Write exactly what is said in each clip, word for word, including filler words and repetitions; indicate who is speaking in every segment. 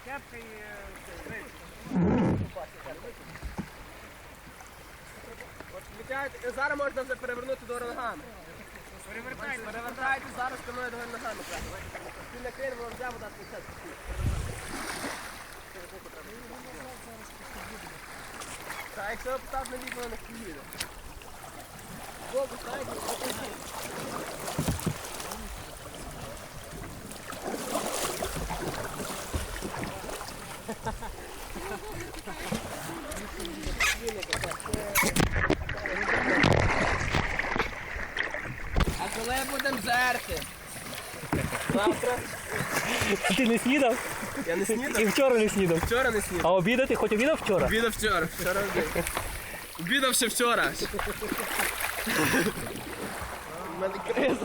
Speaker 1: Кепка і речі.
Speaker 2: Зараз можна вже перевернути до ногами.
Speaker 1: Перевертайте.
Speaker 2: Перевертайте зараз спиною до ногами. Ти накрив, воно взяв, вода спустять. Так, якщо обстав на ліво, не поїде. Боку ставите, покажіть. А коли будемо жерти? Завтра?
Speaker 3: Ти не снідав?
Speaker 2: Я не
Speaker 3: І
Speaker 2: снідав.
Speaker 3: вчора не снідав.
Speaker 2: Вчора не снідав.
Speaker 3: А обідати хоч обідав вчора?
Speaker 2: Обідав вчора. Вчора обідав. Обідав ще вчора. У мене криза.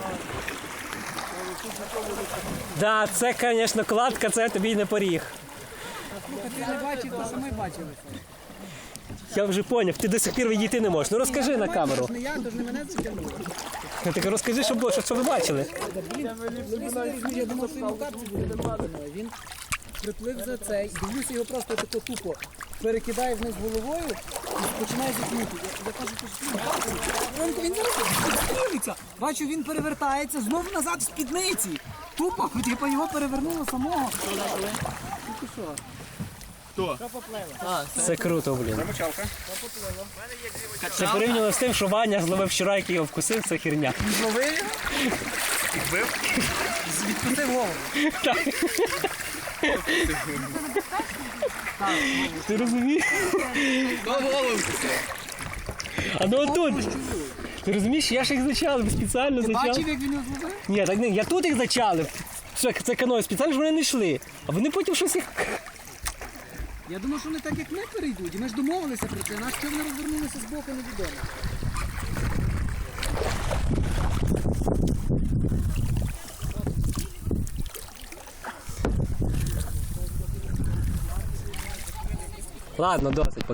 Speaker 3: Да, це, звісно, кладка, це тобі й не поріг.
Speaker 4: Ти не бачив, то самі бачили.
Speaker 3: Я вже поняв, ти до сих пір відійти не можеш. Ну розкажи на камеру.
Speaker 4: Не я, то ж не мене затягнуло.
Speaker 3: Так розкажи, що було, що, що ви бачили.
Speaker 4: Я думав, що він у капці буде нападено. Він приплив за цей, дивлюся його просто тако тупо. Перекидає вниз головою і починає затягнути. Я, я кажу, що він він зараз підстрілиться. Бачу, він перевертається, знову назад в спідниці. Тупо, типу його перевернуло самого. Тільки що?
Speaker 2: Хто?
Speaker 3: Це круто, блін.
Speaker 2: Мочалка.
Speaker 3: Це порівняно з тим, що Ваня зловив вчора, який його вкусив, це херня.
Speaker 2: Зловив його?
Speaker 4: Відпустив голову.
Speaker 3: Ти розумієш?
Speaker 2: До голову.
Speaker 3: А ну отут. Ти розумієш, я ж їх зачалив, спеціально
Speaker 4: Бачив,
Speaker 3: зачалив.
Speaker 4: як він його зловив?
Speaker 3: Ні, так не, я тут їх зачалив. Це, це каною спеціально, щоб вони не йшли. А вони потім щось їх...
Speaker 4: Я думав, що вони так як ми перейдуть, і ми ж домовилися про це, нас що вони розвернулися з боку, невідомо.
Speaker 3: Ладно, досить.